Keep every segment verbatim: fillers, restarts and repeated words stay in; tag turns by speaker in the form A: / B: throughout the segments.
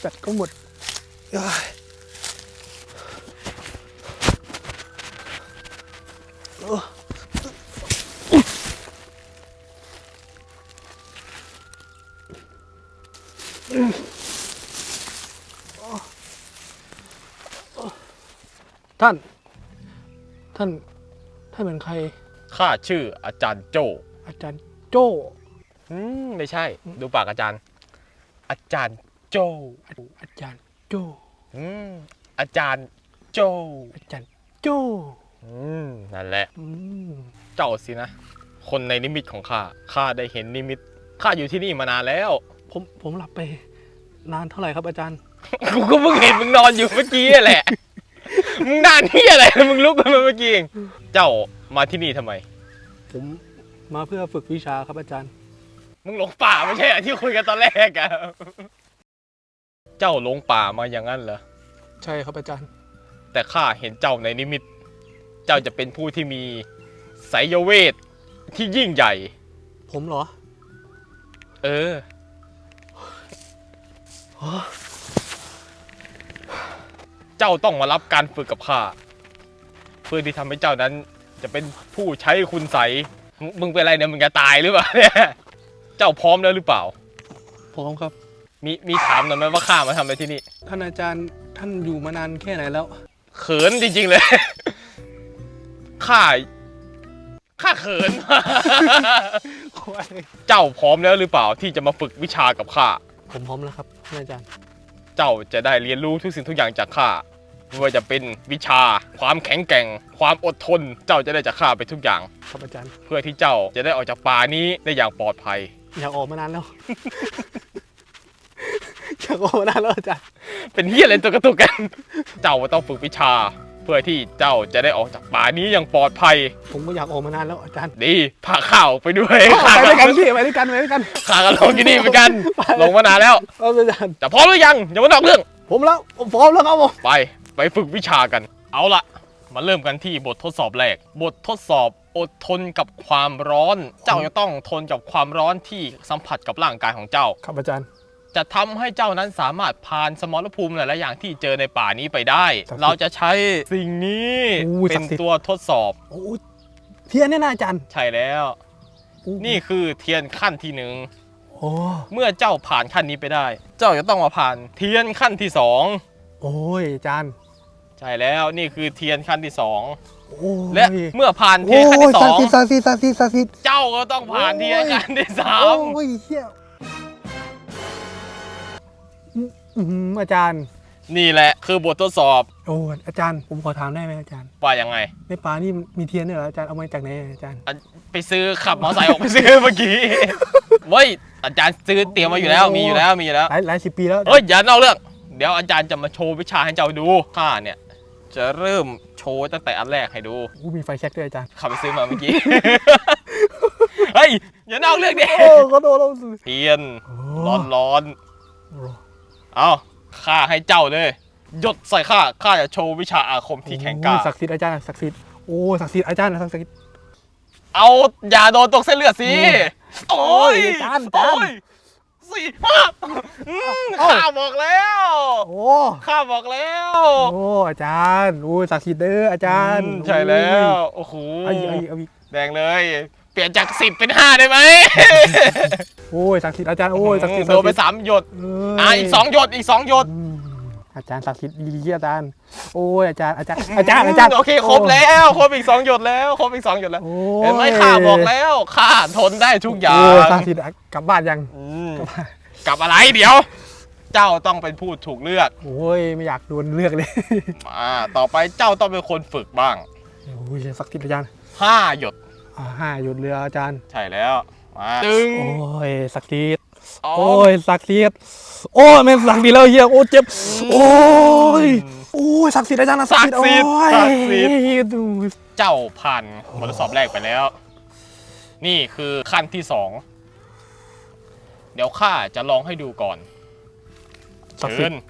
A: แบตก็หมดท่านท่านท่านเป็นใคร
B: ข้าชื่ออาจารย์โจ
A: อาจารย์โจ้
B: อืมไม่ใช่ดูปากอาจารย์อาจารย์โจ
A: อาจารย์โจ้
B: อืมอาจารย์โจ
A: อาจารย์โจ้
B: อืมนั่นแหละ
A: อืม
B: เจ้าสินะคนในนิมิตของข้าข้าได้เห็นนิมิตข้าอยู่ที่นี่มานานแล้ว
A: ผมผมหลับไปนานเท่าไหร่ครับอาจารย์
B: กูก็เพิ่งเห็นมึงนอนอยู่เมื่อกี้แหละมึงนานที่อะไรมึงลุกขึ้นมาเมื่อกี้เองเจ้ามาที่นี่ทำไม
A: ผมมาเพื่อฝึกวิชาครับอาจารย์
B: มึงหลงป่าไม่ใช่เหรอที่คุยกันตอนแรกอะเจ้าหลงป่ามาอย่างนั้นเหรอ
A: ใช่ครับอาจารย์
B: แต่ข้าเห็นเจ้าในนิมิตเจ้าจะเป็นผู้ที่มีไสยเวทที่ยิ่งใหญ่
A: ผมเหรอ
B: เออเจ้าต้องมารับการฝึกกับข้าเพื่อที่ทำให้เจ้านั้นจะเป็นผู้ใช้คุณไสยมึงเป็นอะไรเนี่ยมึงจะตายหรือเปล่าเนี่ยเจ้าพร้อมแล้วหรือเปล่า
A: พร้อมครับ
B: มีมีถามหน่อยไหมว่าข้ามาทำอะไรที่นี่
A: ท่านอาจารย์ท่านอยู่มานานแค่ไหนแล้ว
B: เขินจริงๆเลยข้าข้าเขินเจ้าพร้อมแล้วหรือเปล่าที่จะมาฝึกวิชากับข้า
A: ผมพร้อมแล้วครับท่านอาจารย์
B: เจ้าจะได้เรียนรู้ทุกสิ่งทุกอย่างจากข้าไม่ว่าจะเป็นวิชาความแข็งแกร่งความอดทนเจ้าจะได้จากข้าไปทุกอย่าง
A: ครับอาจารย์
B: เพื่อที่เจ้าจะได้ออกจากป่านี้ได้อย่างปลอดภัย
A: อยากออกมานานแล้วอยากออกมานานแล้วอาจารย์
B: เป็นเหี้ยอะไรตัวกระตุกกันเจ้าต้องฝึกวิชาเพื่อที่เจ้าจะได้ออกจากป่านี้อย่างปลอดภัย
A: ผมก็อยากออกมานานแล้วอาจารย์
B: ดีพาข้าวไปด้วย
A: ไปด้วยกันพี่ไปด้วยกันไปด้วยกัน
B: ข้าก็ลงที่นี่เหมือนกันลงมานานแล้ว
A: อาจารย์
B: แต่พร้อมหรือยังอย่ามานอกเรื่อง
A: ผมแล้วผมพร้อมแล้วครับผม
B: ไปไปฝึกวิชากันเอาละมาเริ่มกันที่บททดสอบแรกบททดสอบอดทนกับความร้อนเจ้าจะต้องทนกับความร้อนที่สัมผัสกับร่างกายของเจ้า
A: ครับอาจารย์
B: จะทำให้เจ้านั้นสามารถผ่านสมรภูมิหลายๆอย่างที่เจอในป่านี้ไปได้เราจะใช้สิ่งนี้เป็นตัวทดสอบ
A: เทียนเนี่ยนะอาจารย์
B: ใช่แล้วนี่คือเทียนขั้นที่หนึ่งเมื่อเจ้าผ่านขั้นนี้ไปได้เจ้าจะต้องมาผ่านเทียนขั้นที่สอง
A: โอ้ยอาจารย์
B: ใช่แล้วนี่คือเทียนขั้นที่สองและเมื่อผ่านเทียนขั้นที่สองเจ้าก็ต้องผ่านเทียนขั้นที่สาม
A: โอ้ยเฮียอาจารย์
B: นี่แหละคือบททดสอบ
A: โอ้อาจารย์ผมขอถามได้ไหมอาจารย์
B: ว่ายังไง
A: ในป่านี่มีเทียนด้วยเหรออาจารย์เอามาจากไหนอาจารย์
B: ไปซื้อขับมอเตอร์ไซค์ออกไปซื้อเมื่อกี้เว้ยอาจารย์ซื้อเตรียมมาอยู่แล้วมีอยู่แล้วมีอยู่แล้ว
A: หลายหลายสิบปีแล้ว
B: เฮ้ยอย่านอกเรื่องเดี๋ยวอาจารย์จะมาโชว์วิชาให้เจ้าดูข้าเนี่ยจะเริ่มโชว์ตั้งแต่อันแรกให้ดู
A: อู้มีไฟแช็กด้วยอาจารย์
B: ขับไปซื้อมาเมื่อกี้เฮ้ยอย่านอกเรื่องดิ
A: โอ้ก็โดนเรา
B: เทียนร้อนร้อนเอาข้าให้เจ้าเลยหยดใส่ข้าข้าจะโชว์วิชาอาคมที่แข็งกล้า
A: ศักดิ์สิทธิ์อาจารย์ศักดิ์สิทธิ์โอ้ศักดิ์สิทธิ์อาจารย์ศักดิ์สิทธิ์
B: เอาอย่าโดนตกเส้นเลือดสิโอ้ย
A: อาจารย์อาจารย์
B: สี่ห้าข้าบอกแล้ว
A: โอ้
B: ข้าบอกแล้ว
A: โอ้อาจารย์โอ้ศักดิ์สิทธิ์เด้ออาจารย์
B: ใช่แล้วโอ้โหแดงเลยเปลี่ยนจากสิบเป็นห้าได้ไหม
A: โอ้ยศักดิ์สิทธิ์อาจารย์โอ้ยศักดิ์สิทธิ์
B: โดนไปสามหยดอ่ะอีกสองหยดอีกสองหยด
A: อาจารย์ศักดิ์สิทธิ์ดีๆอาจารย์โอ้ยอาจารย์อาจารย์อาจารย์อาจารย์
B: โอเคครบแล้วครบอีกสองหยดแล้วครบอีกสองหยดแล้วเห็นไหมข้าบอกแล้วข้าทนได้ทุกอย่าง
A: ศักดิ์สิทธิ์กลับบ้านยัง
B: กลับอะไรเดี๋ยวเจ้าต้องเป็นผู้ถูกเลือก
A: โอ้ยไม่อยากโดนเลือกเลย
B: มาต่อไปเจ้าต้องเป็นคนฝึกบ้าง
A: โอ้ยศักดิ์สิทธิ์อาจารย์
B: ห้าหยด
A: ห้าหยดเรืออาจารย์
B: ใช่แล้วมาตึง
A: โอ้ยศักดิ์สิทธิ์โอ้ยศักดิ์สิทธิ์โอ้ยแม่ศักดิ์สิทธิ์แล้วเฮียโอ้เจ็บโอ้ยโอ้ยศักดิ์สิทธิ์อาจารย์ศักดิ์สิทธิ์ศักดิ์สิทธิ์
B: เจ้าผ่านบททดสอบแรกไปแล้วนี่คือขั้นที่สองเดี๋ยวข้าจะลองให้ดูก่อนเชิญ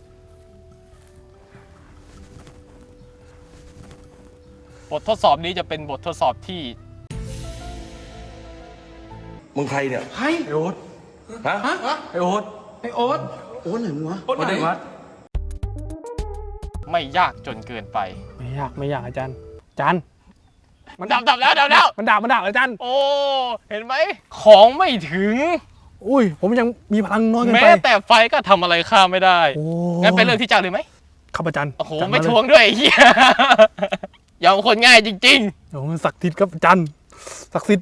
B: บททดสอบนี้จะเป็นบททดสอบที่
C: มึงใครเนี่ย
A: ไอ้โอ๊ต
C: ฮะ
A: ไอ้โอ๊ตไอ้โอ๊ต
C: อ้ไหนวะ
B: โอ้ไหนวะไม่ยากจนเกินไป
A: ไม่ยากไม่ยากอาจารย์อาจารย์
B: มันดับดับแล้วดับแล้ว
A: มันดับมันดับอาจารย์
B: โอ้เห็นไหมของไม่ถึง
A: อุ้ยผมยังมีพลังน้อยเกิน
B: แม้
A: ไป
B: แต่ไฟก็ทำอะไรข้าไม่ได้
A: โอ้
B: งั้นไปเริ่มที่เจ้าเลยไหม
A: ครับอาจารย์
B: โอ้โห
A: จัดา
B: ไม่
A: เลย
B: ทวงด้วยไอ้เฮียยอมคนง่ายจริง
A: โอ้ศักดิ์สิทธิ์ครับอาจารย์ศักดิ์สิทธิ์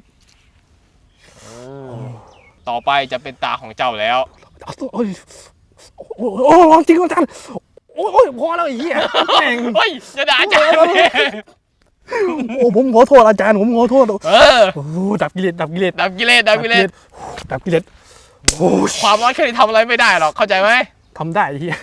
B: ๆ ต่อไปจะเป็นตาของเจ้าแล้ว
A: โอ้ยโอ้โหโอ้โหจริงครับอาจารย์โอ้ยโอ้ยพอแล้วไอ้เหี้ยแม่ง
B: เฮ้ยอย่าด่าอาจารย์ดิ
A: โอ้ผมขอโทษอาจารย์ผมขอโทษ
B: เออ
A: โอ้โหดับกิเลสดับกิเลส
B: ดับกิเลสดับกิเลส
A: ดับกิเลสโอ้ย
B: ความร้อนแค่นี้ทำอะไรไม่ได้หรอกเข้าใจไหม
A: ทำได้ไอ้เหี้ย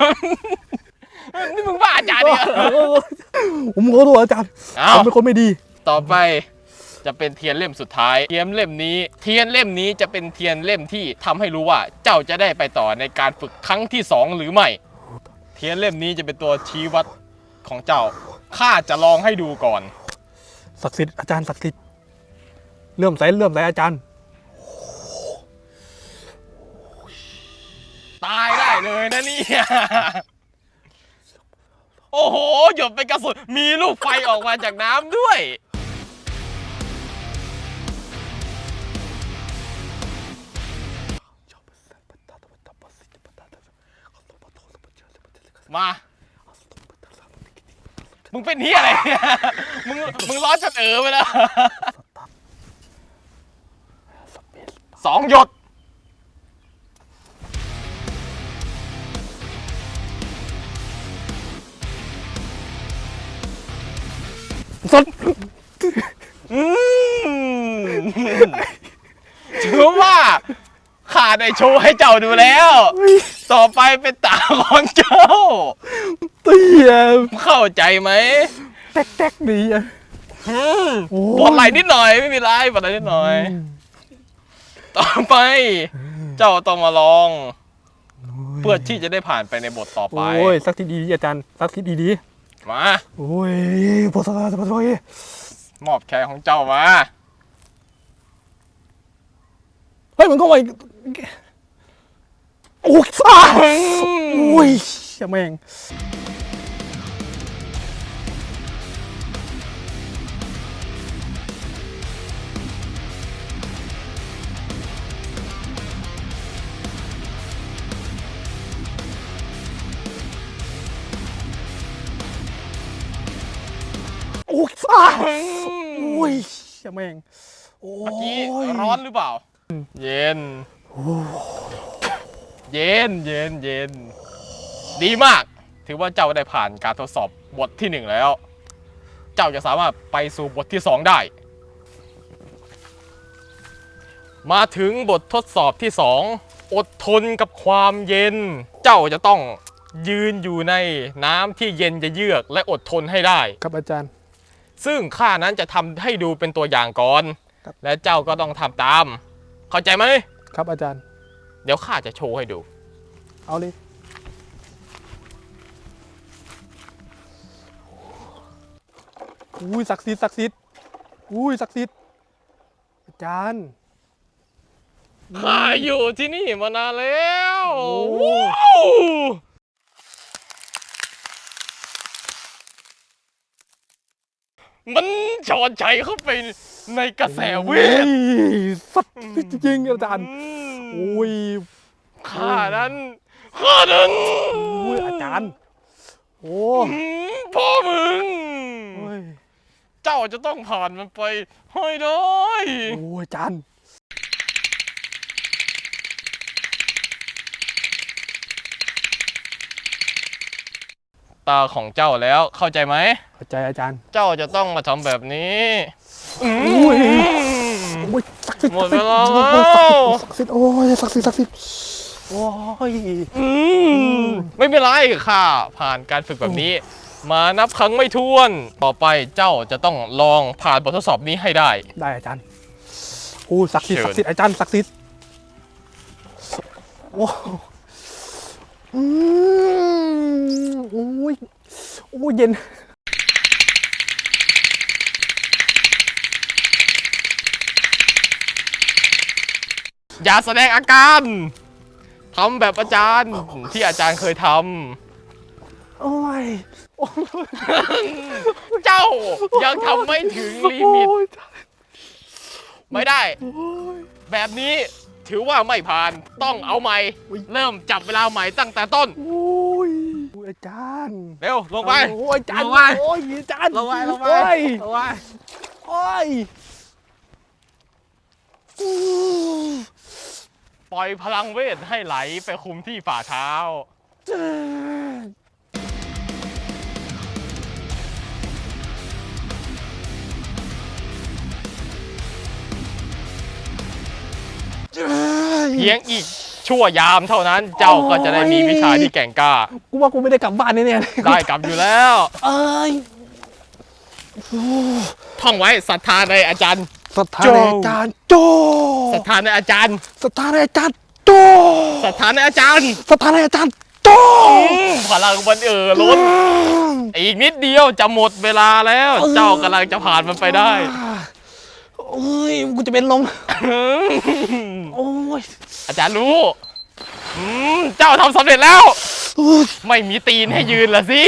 B: นี่มึงบ้าอาจารย์เนี่ย
A: ผมขอโทษอาจารย์
B: เอา
A: ผมเป็นคนไม่ดี
B: ต่อไปจะเป็นเทียนเล่มสุดท้าย เทียนเล่มนี้ เทียนเล่มนี้จะเป็นเทียนเล่มที่ทำให้รู้ว่าเจ้าจะได้ไปต่อในการฝึกครั้งที่สองหรือไม่ เทียนเล่มนี้จะเป็นตัวชี้วัดของเจ้า ข้าจะลองให้ดูก่อน
A: ศักดิ์สิทธิ์อาจารย์ศักดิ์สิทธิ์เลื่อมใสเลื่อมใสอาจารย์
B: ตายได้เลยนะเนี่ยโอ้โหหยดเป็นกระสุนมีลูกไฟออกมาจากน้ำด้วย มา มึงเป็นเฮียอะไรเนี่ยมึง มึงร้อนจนเออไปแล้ว สองหยด
A: สด
B: อืมถือว่าข้าได้โชว์ให้เจ้าดูแล้ว ต่อไปเป็นตาของเจ้า
A: เตี้ย
B: เข้าใจไหม
A: แตกแตกดีอ่ะ
B: อืม
A: โอ้
B: ปวดไหล่นิดหน่อยไม่มีไรปวดไหล่นิดหน่อย ต่อไป เจ้าต้องมาลอง เพื่อที่จะได้ผ่านไปในบทต่อไป
A: โอ้ยสักทีดีๆอาจารย์สักทีดี
B: มา
A: ๆโอ้ยพอสบายสบายสบาย
B: มอบแขนของเจ้ามา
A: เฮ้ยมันก็ไวโอ้ยซ่าโอ้ยเชี่ยแม่งโอ้ยซ่าโอ้ยเชี่ยแม่งโอ้
B: เมื่อกี้
A: ย
B: ร้อนหรือเปล่า เย็น เย็นเย็นเย็น ดีมาก ถือว่าเจ้าได้ผ่านการทดสอบบทที่หนึ่งแล้ว เจ้าจะสามารถไปสู่บทที่สองได้ มาถึงบททดสอบที่สองอดทนกับความเย็น เจ้าจะต้องยืนอยู่ในน้ำที่เย็นจะเยือกและอดทนให้ได้
A: ครับอาจารย์
B: ซึ่งข้านั้นจะทำให้ดูเป็นตัวอย่างก่อน
A: ครับ
B: และเจ้าก็ต้องทำตาม เข้าใจไหม
A: ครับอาจารย์
B: เดี๋ยวข้าจะโชว์ให้ดู
A: เอาเลยอุ้ยศักดิ์สิทธิ์ศักดิ์สิทธิ์อุ้ยศักดิ์สิทธิ์อาจารย์
B: ข้าอยู่ที่นี่มานานแล้ว
A: โอ้
B: ว้าวมันชอนใจเข้าไปในกระแสเวท
A: โอ้ยสัตว์จริงๆอาจารย์
B: อืม
A: โอ้ย
B: ข้านั้นข้านั้น
A: โอ้ยอาจารย์โอ้
B: อืมพ่อมึง
A: โอ้ย
B: เจ้าจะต้องผ่านมันไปให้ได้
A: โอ้ยอาจารย์
B: ตาของเจ้าแล้วเข้าใจไหม
A: เข้าใจอาจารย์
B: เจ้าจะต้องมาทำแบบนี้อืม
A: โอ้ย โอ้ยศักดิ์สิทธิ์
B: หมดเวลาแล้ว
A: ศักดิ์สิทธิ์โอ้ยศักดิ์สิทธิ์ศักดิ์สิทธิ์โอ้ย
B: อืมไม่เป็นไรค่ะผ่านการฝึกแบบนี้ มานับครั้งไม่ถ้วน ต่อไปเจ้าจะต้องลองผ่านบททดสอบนี้ให้ได้
A: ได้อาจารย์โอ้ยศักดิ์สิทธิ์
B: เชิญ
A: ศักดิ์สิทธิ์อาจารย์ศักดิ์สิทธิ์โอ้อืมโอ้ยโอ้ยเย็น
B: อย่าแสดงอาการทำแบบอาจารย์ที่อาจารย์เคยท
A: โอ้ย
B: ำ เจ้ายังทำไม่ถึงลิมิต ไม่ได้ แบบนี้ถือว่าไม่ผ่านต้องเอาใหม่ เริ่มจับเวลาใหม่ตั้งแต่ต้น
A: โอ้ยอาจารย์
B: เร็ว ลงไป
A: โอ้ยอาจารย์
B: ลงไป
A: โอ้ยอาจารย์
B: ลงไปลงไป
A: โอ้ย
B: ลงไป
A: โอ้ย
B: ปล่อยพลังเวทให้ไหลไปคุมที่ฝ่าเท้า เพียงอีกชั่วยามเท่านั้น เจ้าก็จะได้มีวิชาที่แกร่งกล้า
A: กูว่ากูไม่ได้กลับบ้านแน่ๆเลย
B: ได้กลับอยู่แล้ว
A: เอ้ย
B: ท่องไว้ศรัทธาในอาจารย์
A: ศรัทธาในอาจารย์โจ
B: ศรัทธาในอาจารย์
A: ศรัทธาในอาจารย์โจ
B: ศรัทธาในอาจารย์
A: ศรัทธาในอาจารย์โจ
B: พลังมันเอ่อล้น อีกนิดเดียวจะหมดเวลาแล้ว เจ้ากำลังจะผ่านมันไปได้
A: โอ้ยกูจะเป็นลมโอ้ย
B: อาจารย์รู้อืมเจ้าทำสำเร็จแล้ว ไม่มีตีนให้ยืนละสิ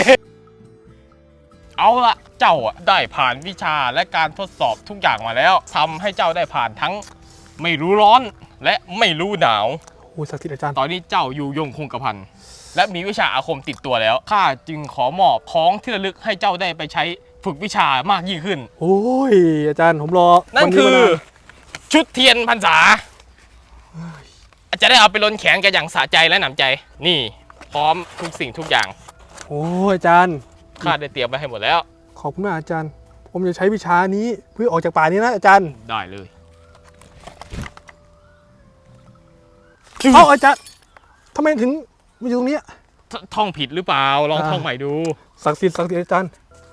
B: เอาละเจ้าอะได้ผ่านวิชาและการทดสอบทุกอย่างมาแล้วทำให้เจ้าได้ผ่านทั้งไม่รู้ร้อนและไม่รู้หนาว
A: โอ้ยศักดิ์สิทธิ์อาจารย์
B: ตอนนี้เจ้าอยู่ยงคงกระพันและมีวิชาอาคมติดตัวแล้วข้าจึงขอมอบของที่ระลึกให้เจ้าได้ไปใช้ฝึกวิชามากยิ่งขึ้น
A: โอ้ยอาจารย์ผมรอ
B: นั่น
A: วั
B: คือ
A: มานาน
B: ชุดเทียนพรรษาอาจจะได้เอาไปล้นแขนกันอย่างสะใจและหนำใจ นี่ พร้อมทุกสิ่งทุกอย่าง
A: โอ้ยอาจารย์
B: ข้าได้เตรียมไว้ให้หมดแล้ว
A: ขอบคุณมากอาจารย์ ผมจะใช้วิชานี้เพื่อออกจากป่านี้นะอาจารย์
B: ได้เลย
A: เอ้าอาจารย์ทำไมถึงมาอยู่ตรงนี้
B: ทท่องผิดหรือเปล่าลอง
A: อ่า
B: ท่องใหม่ดู
A: ศักดิ์สิทธิ์ศักดิ์สิทธิ์อาจารย์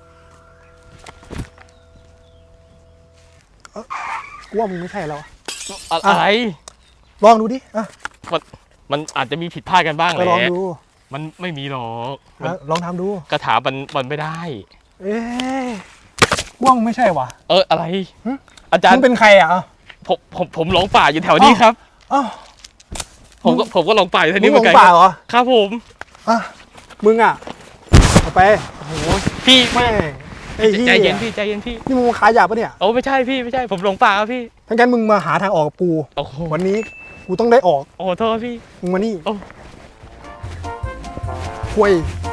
A: เอ้ากูว่ามึงไม่ใช่แล้วอะ
B: อะไร
A: ลองดูดิอ่ะ
B: มันอาจจะมีผิดพลาดกันบ้างแห
A: ก็
B: ละ
A: ลองดู
B: มันไม่มีหรอกมัน
A: อ่ะลองทำดู
B: กระถามันมันไม่ได้
A: เอ๊ะกูว่ามึงไม่ใช่ว่ะ
B: เอออะไร
A: หึ
B: อาจาร
A: มึ
B: ย์
A: งเป็นใครอ่ะอ่ะ
B: ผมผมผมหลงป่าอยู่แถวนี้ครับ
A: อ้าว
B: ผมก็ผมก็หลงป่าอยู่แถว
A: มึ
B: นี้
A: ง
B: เห
A: ห
B: มื
A: ล
B: อน
A: ง
B: กัน
A: ป่าเหรอ
B: ครับผม
A: อ่ะมึงอ่ะเอาไป
B: โอ้โหพี่
A: แม่ไอ้ที่
B: ใจเย็นพี่ใจเย็นพี่
A: นี่มึงมาขายยาปะเนี่ย
B: โอ้ไม่ใช่พี่ไม่ใช่ผมหลงป่าครับพี่
A: ทั้งนั้นมึงมาหาทางออกกับกู
B: โอ้โห
A: วันนี้กูต้องได้ออก
B: โอ้โหโทษพี่
A: มึงมานี่
B: โอ้
A: คุย